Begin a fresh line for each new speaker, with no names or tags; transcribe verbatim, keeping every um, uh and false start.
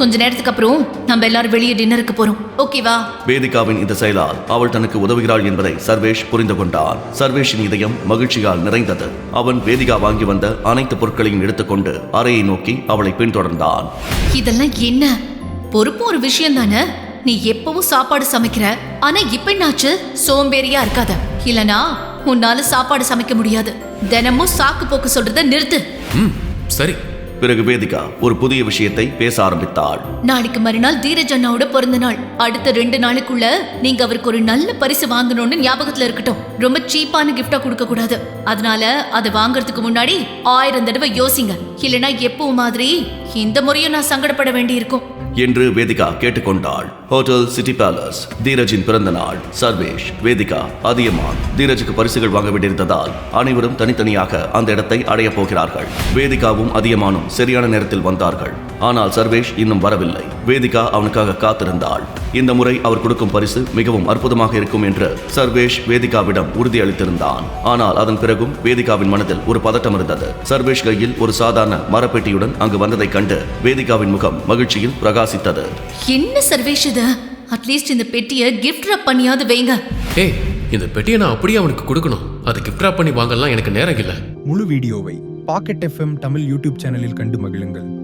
கொஞ்ச நேரத்துக்கு அப்புறம் நம்ம எல்லாரும் வெளியே டின்னருக்கு போறோம், ஓகேவா?
வேதிகாவின் இந்த செயலால் அவள் தனக்கு உதவுகிறாள் என்பதை சர்வேஷ் புரிந்து கொண்டான். சர்வேஷின் இதயம் மகிழ்ச்சியால் நிறைந்தது. அவன் வேதிகா வாங்கி வந்த அனைத்து பொருட்களையும் எடுத்துக்கொண்டு அறையை நோக்கி அவளை பின்தொடர்ந்தான்.
இதெல்லாம் என்ன? பொறுப்பு ஒரு விஷயம் தானே. நீ எப்பவும் சாப்பாடு சமைக்கிற, ஆனா இப்ப என்னாச்சு? சோம்பேறியா இருக்காத, இல்லனா உன்னால சாப்பாடு சமைக்க முடியாது. தினமும் சாக்கு போக்கு சொல்றத நிறுத்து.
ம் சரி.
பிறகு வேதிகா ஒரு புதிய விஷயத்தை பேச ஆரம்பித்தாள்.
நாளைக்கு மறுநாள் தீரஜ் அண்ணாவோட பிறந்த நாள். அடுத்த ரெண்டு நாளுக்குள்ள நீங்க அவருக்கு ஒரு நல்ல பரிசு வாங்கணும்னு ஞாபகத்துல இருக்கட்டும். ரொம்ப சீப்பான கிஃப்டா கொடுக்க கூடாது. அதனால அதை வாங்கறதுக்கு முன்னாடி ஆயிரம் தடவை யோசிங்க, இல்லனா எப்பவும் மாதிரி இந்த முறையும் நான் சங்கடப்பட வேண்டி இருக்கும்
என்று வேதிகா கேட்டுக்கொண்டாள். Hotel city palace. தீரஜின் பிறந்த நாள். சர்வேஷ், வேதிகா, அதியமான் தீரஜுக்கு பரிசுகள் வாங்க வேண்டியிருந்ததால் அனைவரும் தனித்தனியாக அந்த இடத்தை அடைய போகிறார்கள். வேதிகாவும் அதியமானும் சரியான நேரத்தில் வந்தார்கள். ஆனால் சர்வேஷ் இன்னும் வரவில்லை. வேதிகா அவனுக்காக காத்திருந்தாள். இந்த முறை அவர் கொடுக்கும் பரிசு மிகவும் அற்புதமாக இருக்கும் என்று சர்வேஷ் வேதிகாவிடம் உறுதியளித்திருந்தான். ஆனால் அதன் பிறகும் வேதிகாவின் மனதில் ஒரு பதட்டம் இருந்தது. சர்வேஷ் கையில் ஒரு சாதாரண மரப்பெட்டியுடன் அங்கு வந்ததை கண்டு வேதிகாவின் முகம் மகிழ்ச்சியில் பிரகாசித்தது.
என்ன சர்வேஷ் இது? அட்லீஸ்ட் இந்த பெட்டியை கிஃப்ட் ராப் பண்ணியாவது வைங்க.
ஏய், இந்த பெட்டியை நான் அப்படியே அவனுக்கு கொடுக்கணும். அதை கிஃப்ட் ராப் பண்ணி வாங்கலாம் எனக்கு நேரம் இல்லை.
முழு வீடியோவை பாக்கெட் எஃப்எம் தமிழ் யூடியூப் சேனலில் கண்டு மகிழுங்கள்.